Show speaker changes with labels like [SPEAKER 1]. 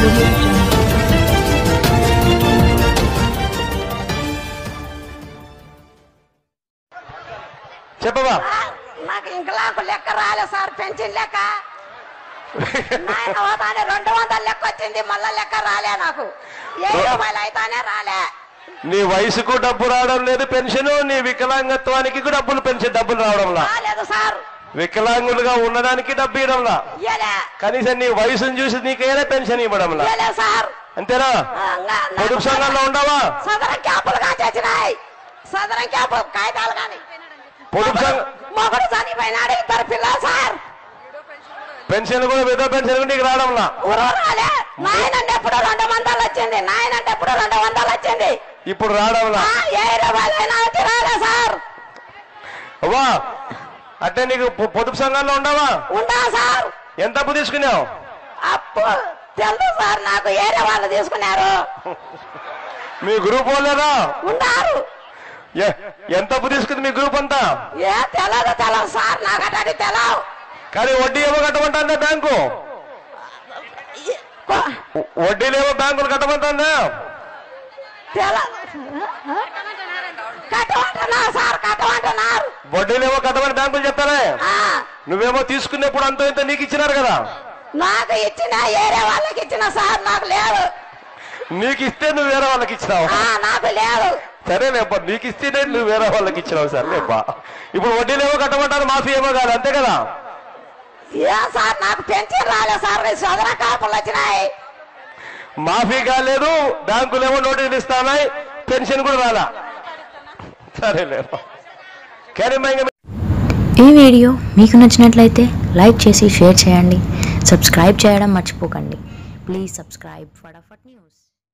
[SPEAKER 1] చెప్పవా
[SPEAKER 2] నాకు ఇంకలాకు లెక్క రాలే సార్ పెన్షన్ లెక్క 200 లెక్క వచ్చింది మళ్ళా లెక్క రాలే నాకు 7 రూపాయలు అయితేనే రాలే
[SPEAKER 1] నీ వయసుకు డబ్బు రావడం లేదు పెన్షన్ నీ వికలాంగత్వానికి డబ్బులు రావడం
[SPEAKER 2] లేదు సార్
[SPEAKER 1] వికలాంగులుగా ఉండడానికి డబ్బు ఇవ్వడంలా కనీసం నీ వయసును చూసి నీకేనా పెన్షన్ ఇవ్వడంలా
[SPEAKER 2] సార్
[SPEAKER 1] అంతేనా పొదుపు సంఘంలో ఉండవా
[SPEAKER 2] సదరం క్యాంపులు కాచేసినాయి సదరం క్యాంపు కాగితాలు కానీ
[SPEAKER 1] పొదుపు సంఘం
[SPEAKER 2] మొగడు చనిపోయినాడు 2 పిల్లలు సార్
[SPEAKER 1] పెన్షన్ కూడా విధవ పెన్షన్ నీకు రావడంలా
[SPEAKER 2] రాలే నాయనంటే ఎప్పుడు 200 వచ్చింది నాయనంటే ఎప్పుడు 200 వచ్చింది
[SPEAKER 1] ఇప్పుడు రావడంలా
[SPEAKER 2] 7 రూపాయలైనా రాలే సార్
[SPEAKER 1] అవ్వా అంటే నీకు పొదుపు సంఘంలో ఉండవా
[SPEAKER 2] ఉండా సార్
[SPEAKER 1] ఎంత అప్పు తీసుకున్నావు
[SPEAKER 2] అప్పు తెలుసు సార్ నాకు ఏరే వాళ్ళు తీసుకున్నారు
[SPEAKER 1] మీ గ్రూప్ వాళ్ళేనా
[SPEAKER 2] ఉన్నారు
[SPEAKER 1] ఎంత అప్పు తీసుకుంది మీ గ్రూప్ అంతా
[SPEAKER 2] తెలదు సార్ నాకు అటు తెలవు
[SPEAKER 1] కానీ వడ్డీ ఏమో కట్టమంటుందా బ్యాంకు వడ్డీలేమో బ్యాంకులు కట్టమంటుందా వడ్డీలేమో కట్టమని బ్యాంకులు చెప్తారే నువ్వేమో తీసుకునేప్పుడు అంత ఇంత నీకు ఇచ్చినారు కదా
[SPEAKER 2] నాకు ఇచ్చిన ఏరే వాళ్ళకి ఇచ్చిన సార్ నాకు లేదు
[SPEAKER 1] నీకు ఇస్తే నువ్వు వేరే వాళ్ళకి ఇచ్చినావు
[SPEAKER 2] నాకు లేదు
[SPEAKER 1] సరేలేబ్బా నీకు ఇస్తేనే నువ్వు వేరే వాళ్ళకి ఇచ్చినావు సరేలేబ్బా ఇప్పుడు వడ్డీలేమో కట్టమంటారు మాఫీ ఏమో కాదు అంతే కదా
[SPEAKER 2] సార్ నాకు పెన్షన్ రాలేదు సార్ సదర కాపులు వచ్చినాయి
[SPEAKER 1] మాఫీ కాలేదు బ్యాంకులేమో నోటీసులు ఇస్తానాయి పెన్షన్ కూడా రాలా సరేలేబ్బా
[SPEAKER 3] ఈ వీడియో మీకు నచ్చినట్లయితే లైక్ చేసి షేర్ చేయండి సబ్స్క్రైబ్ చేయడం మర్చిపోకండి ప్లీజ్ సబ్స్క్రైబ్ ఫటాఫట్ న్యూస్